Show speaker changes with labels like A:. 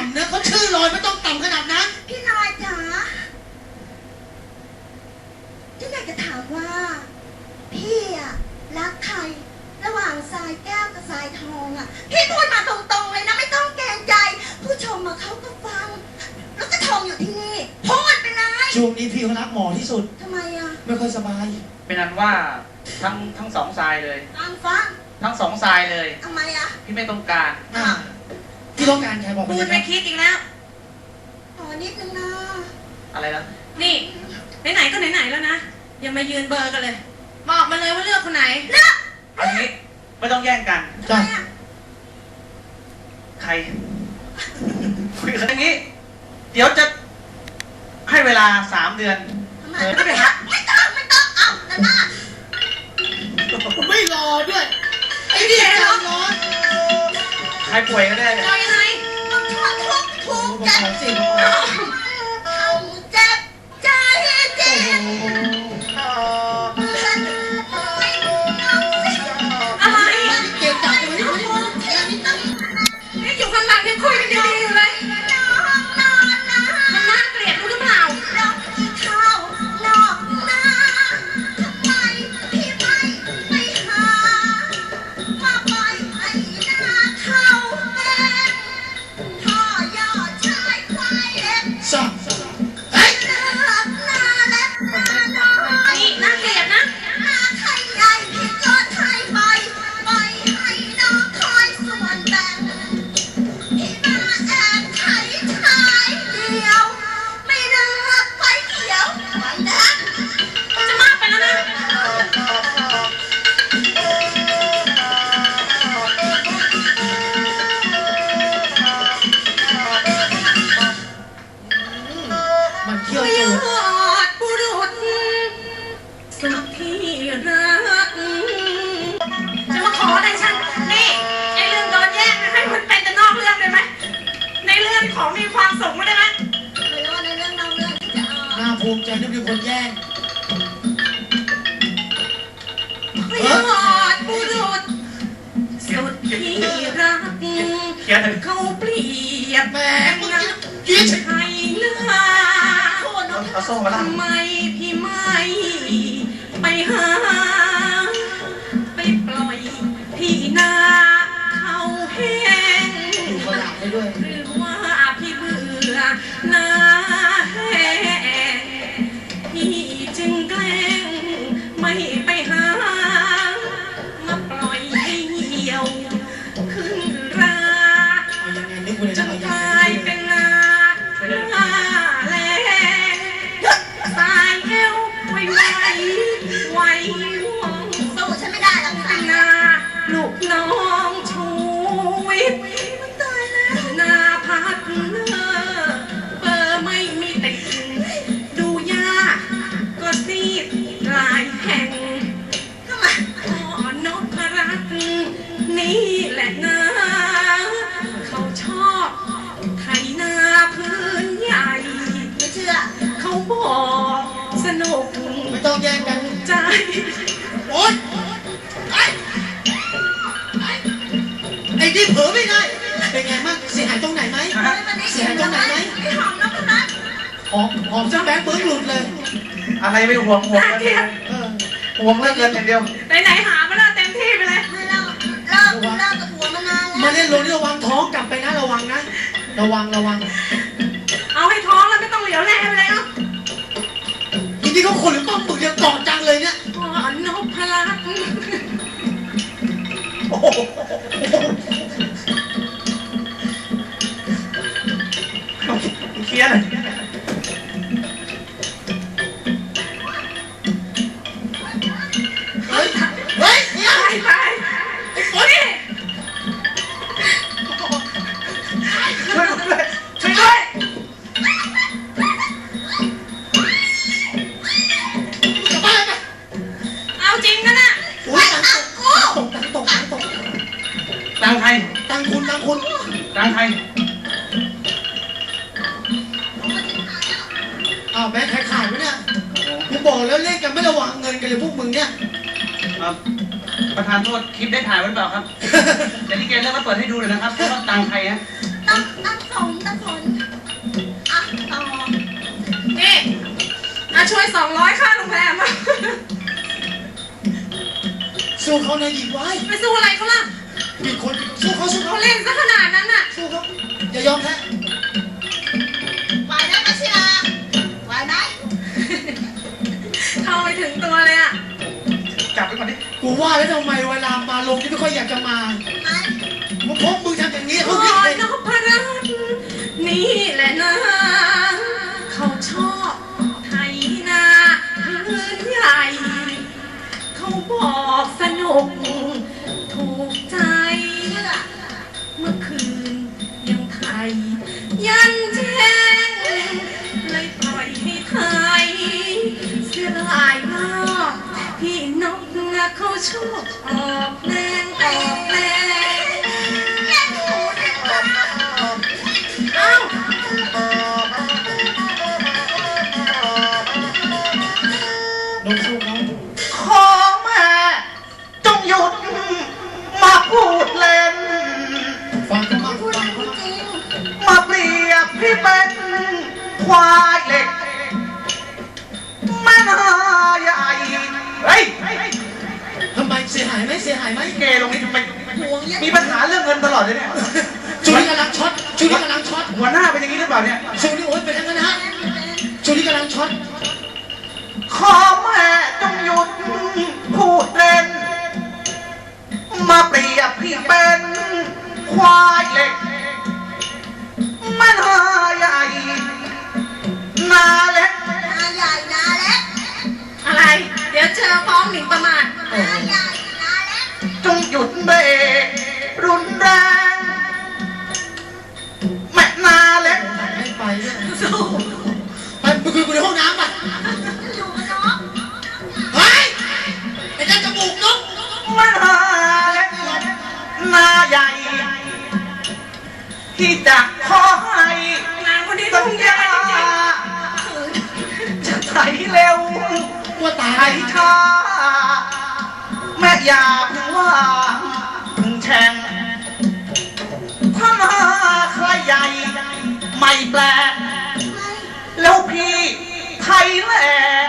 A: ำนะเขาชื่อลอยไม่ต้องต่ำขนาดนั้น
B: พี่ลอยจ๋าฉันอยากจะถามว่าพี่อะรักใครระหว่างทรายแก้วกับทรายทองอะพี่พูดมาตรงๆเลยนะไม่ต้องเกรงใจผู้ชมมาเขาก็ฟังแล้วก็ทองอยู่ที่นี่พูดไปเลย
A: ช่วงนี้พี่เขารักหมอที่สุด
B: ทำไมอะ
A: ไม่ค่อยสบาย
C: เป็นนั้นว่าทั้งสองทรายเลย
B: ฟัง
C: ทั้งสองทรายเลย
B: ทำไมอะ
C: พี่ไม่ต้องการ
A: พี่ต้องการใครบอก
D: พูดไม่คิดอีกแล้ว
B: นิดนึงนะ
C: อะไรนะ
D: นี่ไหนๆก็ไหนๆแล้วนะอย่ามายืนเบอร์กันเลยบอกมาเลยว่าเลือกคนไหน
C: อันนี้ไม่ต้องแย่งกัน
A: จ้ะ
C: ใครคุยกันอย่างนี้เดี๋ยวจะให้เวลา3 เดือน
B: ไม่ไปฮะไม่ต้องเอาแต่หน้า
A: ไม่รอด้วยไอ้นี่ใจร้อน
C: ใครป่วยก็ได้เลย
D: รอยังไง
B: ทุกใจเขาเจ็บใจเจ็บ
D: อะไร
A: เก็บจับไว้
D: นี่อยู่ข้างหลังยังคุยกันดีๆอยู่เลยมันน่าเกลียดรู้หรือเปล่ามีความสุขไม่ได้ไหม
B: ไม่ว่าในเรื่องนอกเรื่องจะ
A: น่าภูมิใจที่มีคนแย่ง
D: ยอดบุรุษสุดที่รักเขาเปรียบแบบนักใช้เนื้อทำไมพี่ไม่ไปหาไปปล่อยพี่นาเขาแห้งหรือว่าพี่เบื่อนาแห้งพี่จึงแกล้งไม่ไปหามาปล่อยให้เหี่ยวขึ้นราจนกลายเป็นนาแล้งสายเอวไวว่อง
B: สู้ฉันไม่ได้หรอกค่ะ
D: นาลูกน้องชูวิทย์นาพัดเบอร์ไม่มีติดดูยากก็ซีดหลายแห่งพ่อนพรัตน์นี่แหละนะเขาชอบไถนาพื้นใหญ่
B: ไม่เชื่อ
D: เขาบอกสนุก
A: ไม่ต้องแย่งกัน
D: ใจ
A: โอ๊ยไอ้นี่เผลอไม่ได้เป็นไงมั่งเสียหายตรงไหนไหมเสียหายตรงไหนไหม
B: พี่หอมนพรัตน์
A: หอมจนแบงค์เบิ้งหลุดเลย
C: อะไรไม่ห่วงกันเลยห่วงเรื่องเงินอย่างเดียว
D: ไหนหามาแล้วเต็มที่ไปเลย
B: ไม่เลิกกับผัวมานานแล้ว
A: มาเล่นโรนี่ระวังท้องกลับไปนะระวังนะระวัง
D: เอาให้ท้องแล้วไม่ต้องเหลียวแลไปเลยเนาะ
A: ทีนี้เขาคนหรือป้อมปึกเนี่ยเกาะจังเลยเนี่ย
D: นพรัตน์
C: เคลียร์เลย
A: เฮ้ย
D: ไปโอ้ย
C: ช่วยด้วย
D: เอาจริงนะน่ะ
C: ตังใคร
A: ตังคุณ
C: ตังใคร
A: แม่ขายไหมเนี่ยกูบอกแล้วเล่นกันไม่ระวังเงินกันเลยพวกมึงเนี่ย
C: ประธานโทษคลิปได้ถ่ายไว้หรือเปล่าครับเดี๋ยวที่เกมเริ่มมาเปิดให้ดูเลยนะครับว่าตังใครฮะ
B: ตังสม
D: ช่วย200ค่าโรงแรมอะ
A: สู้เขานายหญิงไว้
D: ไปสู้อะไรเขาล่ะ
A: มีคนสู้เขา
D: เขาเล่นซะขนาดนั้นน่ะ
A: สู้เขาอย่ายอมแพ้
B: ไหวไหมมาชิลาไหวไหม
D: เข้าไปถึงตัวเลยอ่ะ
C: จับไปก่อนดิ
A: กูว่าแล้วทำไมเวลามาลงที่ไม่ค่อยอยากจะมา
B: ไหม
A: มึงพกมึงทำอย่างนี้
D: โอ้
A: เขาคิด
D: ย
A: เลย
D: นพรัตน์นี่แหละนะ เขาชอบไทยนาพื้นใหญ่ เขาบอกสนุก ถูกใจ
B: เชื่อ
D: เมื่อคืนยังไทย ยันแจ้งเลยปล่อยให้ไทย เสียดายมากพี่นกนะเขาชอบออกแรงออกแรง
B: แย่หนูเนี่ย
D: เอ้า
A: ลงสู้เขา
C: ขอแม่จงหยุดมาพูดเล่น
A: ฟังเขามาก
B: พูด
A: ฟัง
B: พู
A: เขา
B: ด
A: มาก
B: จริง
C: มาเปรียบพี่เป็นควายเหล็กแม่นาใหญ่เฮ้ย
A: ทำไมเสียหายไหมเสียหายไหม
C: เกลงนี้ทำไม
B: ห่วงยัง
C: มีปัญหาเรื่องเงินตลอดเลยเนี่ย
A: ช่วงนี้กำลังช็อตช่วงนี้กำลังช็อต
C: หัวหน้าเป็นอย่างนี้หรือเปล่าเนี่ย
A: ช่วงนี้โอ๊ยเป็นอย่างนั้นนะฮะช่วงนี้กำลังช็อต
C: ขอแม่จงหยุดพูดเล่น มาเปรียบพี่เป็นควายเหล็กแม่นาใหญ่นาเล็ก
B: นาใหญ่นาเล็ก
D: อะไร เดี๋ยวเจอฟ้องหมิ่นประมาท
B: นาใหญ่นาเล็ก
C: จงหยุดเบรกรุนแรงแม่นาเล็ก
A: ไม่ไปด้วย
D: สู้
A: ไปมึงคุยกูในห้องน้ำป่ะ
B: อยู่กับน้อง
A: เฮ้ยไอ้เจ้าจมูกนก
C: แม่นาเล็กนาใหญ่ที่จะขอให้
D: นางคนนี้ต้
C: สั
D: อง
C: ญ
D: แย่
C: ญา
D: จริง
C: จะไถเร็ว
A: ว่าตา
C: ไถ
A: ย
C: ช้าแม่อย่าเพิ่งว่าเพิ่งแช่งถ้ามาใครใหญ่ไม่แปลก
B: ไม่
C: แล้วพี่ไทยแลน